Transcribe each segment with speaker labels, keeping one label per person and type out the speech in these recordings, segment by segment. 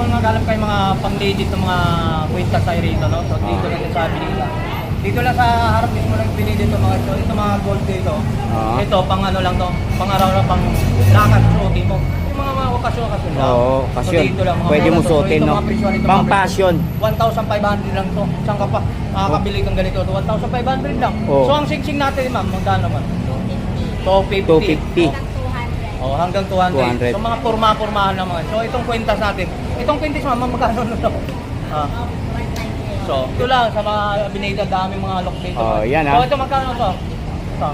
Speaker 1: kung nagalam kayo mga pang-legit ng mga kwenta sa rito, no? So dito lang sa Binila. Dito lang sa harap mismo ng Binila ito mga ito. Ito mga gold dito. Ito pang ano lang to, pang araw-araw, pang lakad, suotin mo. Yung mga okasyon lang.
Speaker 2: Oo, okasyon. Pwede mo suotin, no? Pang passion.
Speaker 1: 1,500 lang to. Saan ka pa? Makakabili kang ganito. 1,500 lang.
Speaker 2: Oo.
Speaker 1: So ang sing-sing natin, ma'am, magkano naman? 250.
Speaker 2: 250.
Speaker 1: Oh, hanggang 200. So mga porma-pormahan naman. So itong kwentas natin. Itong kwintas ma'am, magkano na to? So, ito lang sa mga Binida, daming mga lock dito.
Speaker 2: Oh, yan
Speaker 1: So ito magkano to? Ito.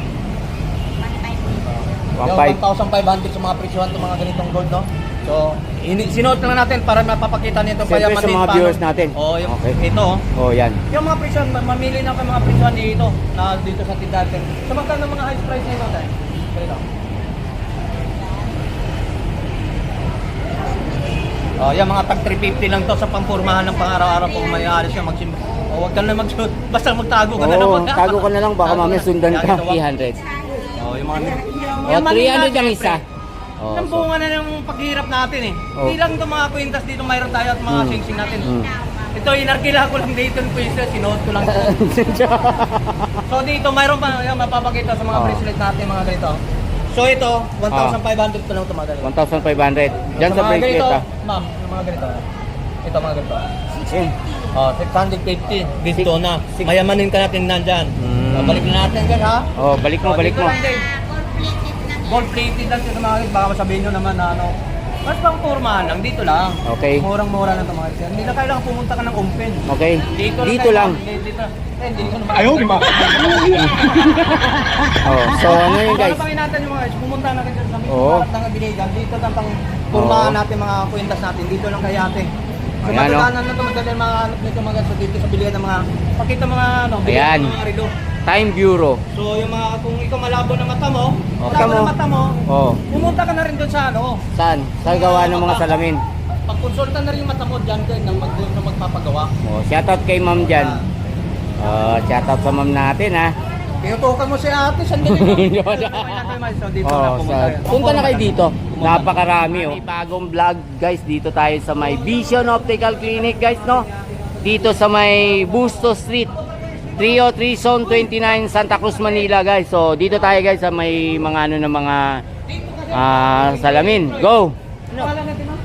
Speaker 1: 1,500 sa mga presyohan ng mga ganitong gold, no? So, sinuot lang natin para mapapakita nito
Speaker 2: Siyempre sa mga viewers natin.
Speaker 1: Oh, yung,
Speaker 2: okay.
Speaker 1: ito.
Speaker 2: Oh, yan.
Speaker 1: Yung mga presyohan, mamili na kayo mga presyohan dito na dito sa tindahan. So magkano mga high price nito tayo? Ito. Oh, yan mga tag 350 lang to sa pangpormahan ng pang-araw-araw kung may alis ka magsimba. Oh, wag ka na mag-shoot. Basta magtago ka na naman.
Speaker 2: Tago ka na lang baka mamaya sundan ka. 300.
Speaker 1: Oh, yung mga
Speaker 2: Oh, 300 ang isa. Oh,
Speaker 1: Ang bunga na ng paghihirap natin eh.
Speaker 2: Oh.
Speaker 1: Hindi lang itong mga kwintas dito mayroon tayo at mga sing-sing natin. Ito, inarkila ko lang dito yung kwintas, sinuot ko lang ito. So dito, mayroon pa, yan, mapapakita sa mga bracelet natin, mga ganito. So ito, 1,500 pa lang ito mga ganito.
Speaker 2: 1,500. Diyan sa bracelet
Speaker 1: ganito,
Speaker 2: ha.
Speaker 1: ma'am, yung mga ganito. Ito mga ganito.
Speaker 2: 650.
Speaker 1: Oh, 650. Dito na. Mayamanin ka natin nandyan. Balik na natin guys ha.
Speaker 2: Oh, balik mo, balik
Speaker 1: dito
Speaker 2: mo.
Speaker 1: lang din. Gold plated lang sa mga guys. Baka masabihin nyo naman na ano. Mas pang pormahan lang, dito lang.
Speaker 2: Okay.
Speaker 1: Murang-mura lang ito mga guys. Hindi na kailangan pumunta ka ng umpin.
Speaker 2: Okay. Dito lang.
Speaker 1: Dito. Hindi ko naman.
Speaker 3: Ayaw, di ba?
Speaker 2: Oh, so ano yun guys?
Speaker 1: Ano natin yung mga guys? Pumunta na kayo sa mismo
Speaker 2: Oo.
Speaker 1: harap ng Binaygan. Dito lang pang pormahan natin mga kwentas natin. Dito lang kay ate. So
Speaker 2: Ayan,
Speaker 1: matulanan na ito, magdala mga ano nito mga guys. Dito sa bilihan ng mga, pakita mga ano, bilihan
Speaker 2: Ayan.
Speaker 1: ng mga rido.
Speaker 2: Time Bureau.
Speaker 1: So yung mga, kung ikaw malabo ng mata mo,
Speaker 2: Oh,
Speaker 1: malabo
Speaker 2: tamo.
Speaker 1: ng mata mo,
Speaker 2: Oh,
Speaker 1: pumunta ka na rin doon sa ano.
Speaker 2: saan? Sa gawa ng mga salamin.
Speaker 1: Pagkonsulta na rin yung mata mo dyan kayo na magpapagawa.
Speaker 2: Oh, shoutout kay ma'am dyan. Oh, shoutout sa ma'am natin ha.
Speaker 1: Pinutukan mo si ate, sandali. So dito na
Speaker 2: Oh,
Speaker 1: pumunta yun.
Speaker 2: punta na kayo dito. Napakarami oh. Bagong vlog guys, dito tayo sa may Vision Optical Clinic guys, no? Dito sa may Busto Street, 303 Zone 29, Santa Cruz, Manila guys. So dito tayo guys sa may mga ano na mga salamin. Go.
Speaker 1: Pangalan natin, no?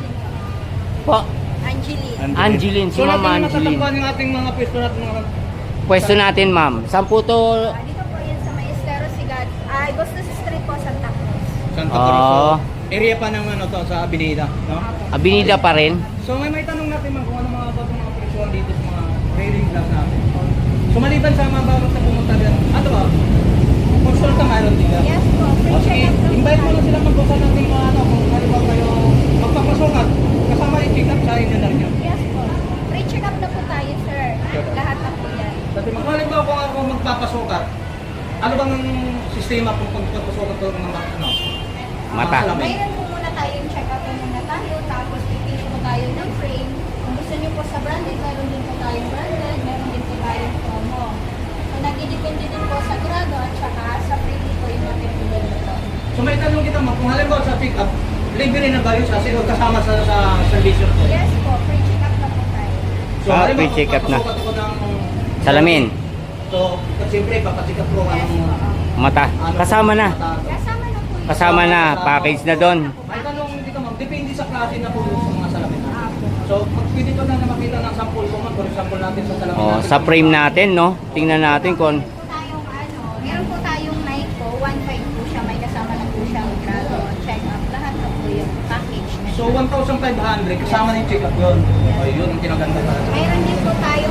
Speaker 2: Po.
Speaker 4: Angeline.
Speaker 2: Angeline, si
Speaker 1: So
Speaker 2: Ma'am
Speaker 1: natin
Speaker 2: Angeline.
Speaker 1: matatagpuan yung ating mga pwesto natin mga
Speaker 2: Pwesto natin ma'am. Saan po to?
Speaker 4: Dito po yan sa may Estero Sigad. Ay, Bustos Street po, Santa Cruz.
Speaker 1: Santa Cruz. So, area pa ng ano to sa Binida, no?
Speaker 2: Abinida pa rin.
Speaker 1: So may tanong natin man kung ano mga bago mga presyon dito sa mga trading class natin. So maliban sa mga bago sa pumunta din, ano ba? Konsulta mayroon din ka?
Speaker 4: Yes po, free
Speaker 1: O sige,
Speaker 4: check-up po
Speaker 1: invite mo
Speaker 4: tayo.
Speaker 1: na sila magbuka natin mga ano, kung halimbawa kayo magpapasukat, kasama yung check-up sa inyo na rin yun.
Speaker 4: Yes po. Free check-up na po tayo, sir. Lahat na po yan.
Speaker 1: Kasi kung halimbawa kung ako magpapasukat, ano bang sistema kung pagpapasukat ko ng mga ano?
Speaker 2: Mata.
Speaker 1: salamin?
Speaker 4: Mayroon po muna tayong check-up po muna tayo, tapos pipili po tayo ng frame. Kung gusto niyo po sa branded, mayroon din po tayong branded, mayroon din po tayong promo. So nagdidepende din po sa grado at saka sa frame po yung mapipili nito.
Speaker 1: So may tanong kita mo, kung halimbawa sa pick-up, libre na ba yun sa kasama sa servisyo ko?
Speaker 4: Yes po, free check-up na po tayo.
Speaker 1: So, halimbawa,
Speaker 2: free check-up na.
Speaker 1: papasukat ako ng
Speaker 2: Salamin.
Speaker 1: So, siyempre, papacheck up ko
Speaker 4: Yes
Speaker 1: anong
Speaker 4: po.
Speaker 2: Mata. Kasama na.
Speaker 4: Kasama na po yun.
Speaker 2: Kasama na. Package na doon.
Speaker 1: May tanong dito ma'am, depende sa klase na po sa mga salamin.
Speaker 4: Apo.
Speaker 1: So, pag pwede ko na makita ng sample ko ma'am, for example natin sa salamin
Speaker 2: Oh,
Speaker 1: natin.
Speaker 2: sa frame natin, no? Tingnan natin kung
Speaker 4: Meron po tayong Nike po, 1.5 po siya, may kasama na po siyang grado, check-up, lahat na po yung package na
Speaker 1: So,
Speaker 4: siya.
Speaker 1: 1,500, kasama na yung check-up yun. O, yun ang kinaganda talaga.
Speaker 4: Mayroon din po tayong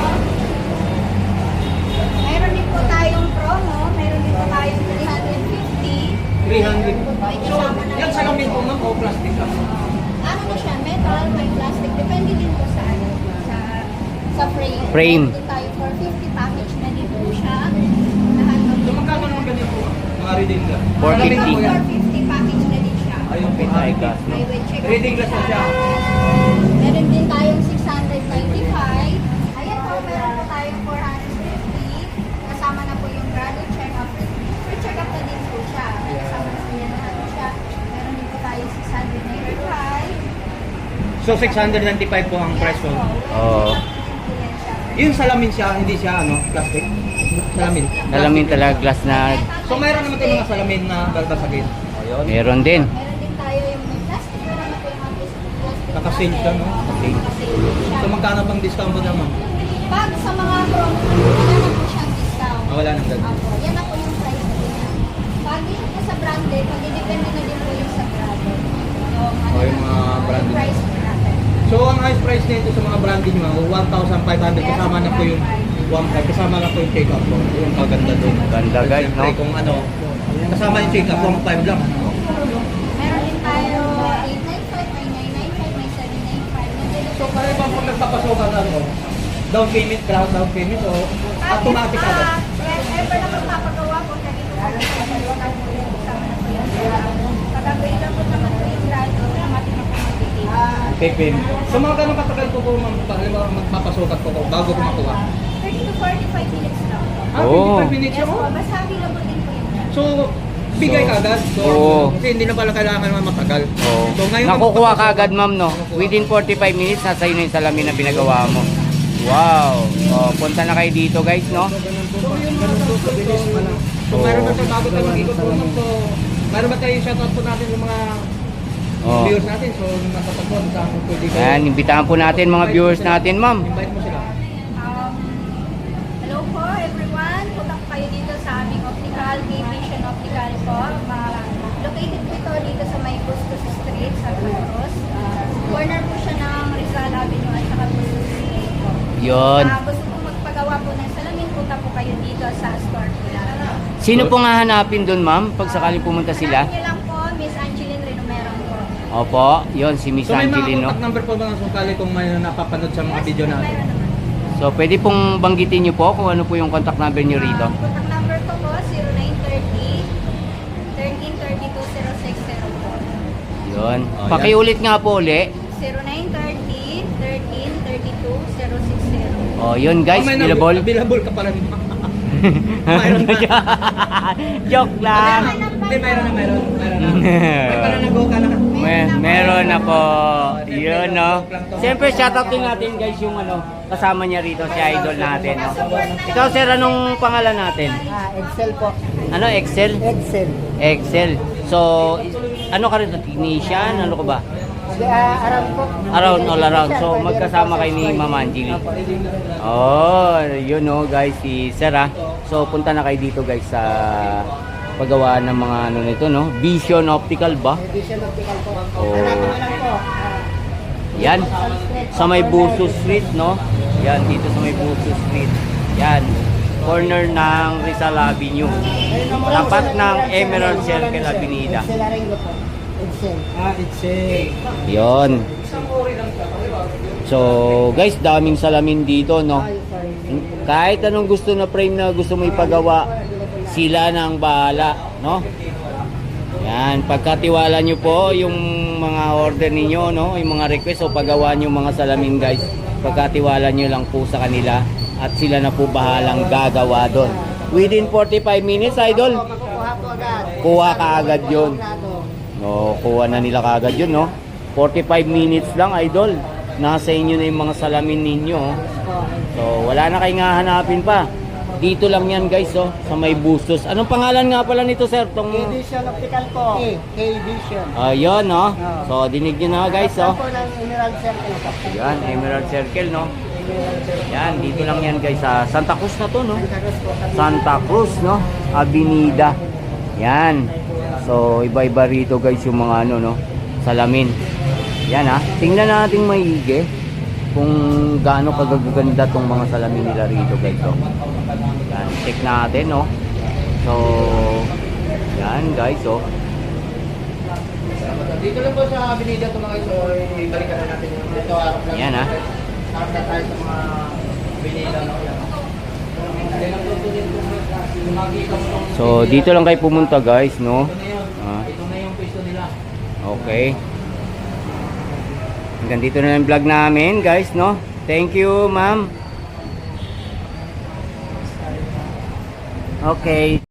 Speaker 4: mayroon din po tayong promo, mayroon din po tayong 350.
Speaker 1: 300.
Speaker 4: May
Speaker 1: So,
Speaker 4: kasama na
Speaker 1: yan salamin po ma'am o plastic lang?
Speaker 4: Ano po siya, metal, may plastic, depende din po sa sa frame.
Speaker 2: Frame.
Speaker 4: Meron din tayo for 50 package na din po siya. Lahat ng
Speaker 1: So, magkano naman ganyan po ma'am? Mga reading glass.
Speaker 2: 450.
Speaker 1: Salamin na po yan.
Speaker 4: 450 package na din siya.
Speaker 1: Ayun po.
Speaker 2: Ay, gas, no?
Speaker 4: May with check-up
Speaker 1: Reading glass na siya.
Speaker 4: Meron din tayong 695. Ayan po, meron po tayong 450. Kasama na po yung grado check-up. Free check-up na din po siya. May kasama na po yan lahat siya. Meron din po tayong 695.
Speaker 1: So 695 po ang presyo.
Speaker 2: Oo.
Speaker 1: Yung salamin siya, hindi siya plastic. Salamin.
Speaker 2: Salamin talaga, glass na.
Speaker 1: So mayroon naman tayong mga salamin na balbasagin. Ayun.
Speaker 2: Meron din.
Speaker 4: Meron din tayo yung may plastic na naman po yung mga plastic.
Speaker 1: Naka-sale siya, no?
Speaker 2: Okay.
Speaker 4: Naka-sale siya.
Speaker 1: So magkano bang discount mo naman?
Speaker 4: Pag sa mga promo, wala na po siyang discount.
Speaker 1: Wala nang ganun.
Speaker 4: Apo, yan na po yung price na yan. Pag dito po sa branded, magdidepende na din po yung sa grado.
Speaker 1: Yung mga branded.
Speaker 4: Yung price po natin.
Speaker 1: So ang highest price nito sa mga branding mo, 1,500 kasama na po yung 1,500 kasama na po yung check-up po. Yung maganda doon.
Speaker 2: Ganda, guys, no?
Speaker 1: Kung kasama yung check-up, 1,500 lang.
Speaker 4: Meron din tayo 895, may 995, may 795.
Speaker 1: So kaya ba pag nagpapasokan down payment, ground down payment o automatic agad?
Speaker 4: Yes, ever na magpapagawa po na dito po sa dalawa po yung kasama na po yun. Pag available naman po yung grado, automatic na po magtitip.
Speaker 1: Okay, payment. So mga ganun katagal po magpapasokan po bago ko makuha?
Speaker 4: 30 to 45 minutes lang.
Speaker 2: Oh.
Speaker 1: 25 minutes
Speaker 4: Yes
Speaker 1: lang?
Speaker 4: po, basta available din po yung grado.
Speaker 1: So, bigay ka agad. So,
Speaker 2: Oo.
Speaker 1: kasi hindi na pala kailangan naman matagal.
Speaker 2: Oo.
Speaker 1: So, ngayon,
Speaker 2: Nakukuha ka agad, ma'am, no? Within 45 minutes, nasa iyo na yung salamin na binagawa mo. Wow. Oh, punta na kayo dito, guys, no?
Speaker 1: So, yun mga kabilis pa lang. So, mayroon na tayo bago tayo mag-ikot po. So, mayroon ba tayo shoutout po natin yung mga
Speaker 2: Oh.
Speaker 1: viewers natin. So, nakapagpon sa akin pwede kayo.
Speaker 2: Ayan, imbitahan po natin mga viewers natin, ma'am.
Speaker 1: Invite mo sila.
Speaker 4: Hello po everyone, punta po kayo dito sa aming optical, K-Vision Optical po. Located po ito dito sa may Bustos Street, Santa Cruz. Corner po siya ng Rizal Avenue at saka Bustos Street po.
Speaker 2: Yun.
Speaker 4: Gusto po magpagawa po ng salamin, punta po kayo dito sa store po natin.
Speaker 2: Sino pong hahanapin doon, ma'am, pag sakaling pumunta sila?
Speaker 4: Hanapin niyo lang po, Miss Angeline Renomeron po.
Speaker 2: Opo, yun, si Miss
Speaker 1: So, may mga
Speaker 2: Angelino.
Speaker 1: contact number po ba ng sukali kung may napapanood sa mga video natin?
Speaker 4: Meron naman.
Speaker 2: So, pwede pong banggitin nyo po kung ano po yung contact number nyo rito.
Speaker 4: Contact number ko po, 0930 1332 060 po.
Speaker 2: Yun.
Speaker 1: Oh,
Speaker 2: Pakiulit nga po uli.
Speaker 4: 0930 1332 060.
Speaker 2: Oh, yun guys,
Speaker 1: may
Speaker 2: available.
Speaker 1: Available ka pala. Mayroon na.
Speaker 2: Joke lang.
Speaker 1: Hindi, mayroon na. May pala nag-go ka na.
Speaker 2: Meron na po. Yun, no. Siyempre, shoutout din natin guys yung kasama niya rito, si idol natin. No? Ikaw, sir, anong pangalan natin?
Speaker 3: Excel po.
Speaker 2: Ano, Excel?
Speaker 3: Excel.
Speaker 2: Excel. So, ano ka rin? Technician? Ano ka ba?
Speaker 3: Around po.
Speaker 2: Around, all around. So, magkasama kayo ni Ma'am Angeli. Oh, yun no guys, si Sir ah. So, punta na kayo dito guys sa paggawa ng mga nito no. Vision Optical ba?
Speaker 3: Vision Optical po.
Speaker 2: Oh.
Speaker 3: Hanapin mo lang po.
Speaker 2: Yan. Sa may Buso Street no. Yan, dito sa may Buso Street. Yan. Corner ng Rizal Avenue. Tapat ng Emerald Circle Avenida.
Speaker 3: Excel Arengo po. Excel.
Speaker 1: Excel.
Speaker 2: Yon. So, guys, daming salamin dito, no? Kahit anong gusto na frame na gusto mo ipagawa, sila na ang bahala, no? Yan, pagkatiwala nyo po yung mga order ninyo, no? Yung mga request o paggawa nyo mga salamin, guys. Pagkatiwala nyo lang po sa kanila at sila na po bahalang gagawa doon. Within 45 minutes, idol,
Speaker 3: Makukuha po agad.
Speaker 2: kuha ka agad yun. No, kuha na nila kaagad yun, no? 45 minutes lang, idol. Nasa inyo na yung mga salamin ninyo. Oh. So, wala na kayong hahanapin pa. Dito lang yan, guys, oh, sa may Bustos. Anong pangalan nga pala nito, sir? Tong...
Speaker 3: K-Vision Optical po. K-Vision.
Speaker 2: Ayun, no? So, dinig nyo na, guys, oh.
Speaker 3: po ng Emerald Circle po.
Speaker 2: Yan, Emerald Circle, no? Yan, dito lang yan, guys, sa Santa Cruz na to, no? Santa Cruz, no? Avenida. Yan. So, iba-iba rito, guys, yung mga no? Salamin. Yan, ha? Tingnan natin maigi kung gaano kagaganda tong mga salamin nila rito, guys, oh. Yan, check natin, no? So, yan, guys, oh.
Speaker 1: Dito lang po sa Avenida ito mga ito, ibalikan na natin yung ito harap lang.
Speaker 2: Yan, ha?
Speaker 1: Harap na tayo sa mga Avenida.
Speaker 2: So, dito lang kayo pumunta, guys, no?
Speaker 1: Ito na yung pwesto nila.
Speaker 2: Okay. Hanggang dito na lang yung vlog namin, guys, no? Thank you, ma'am. Okay.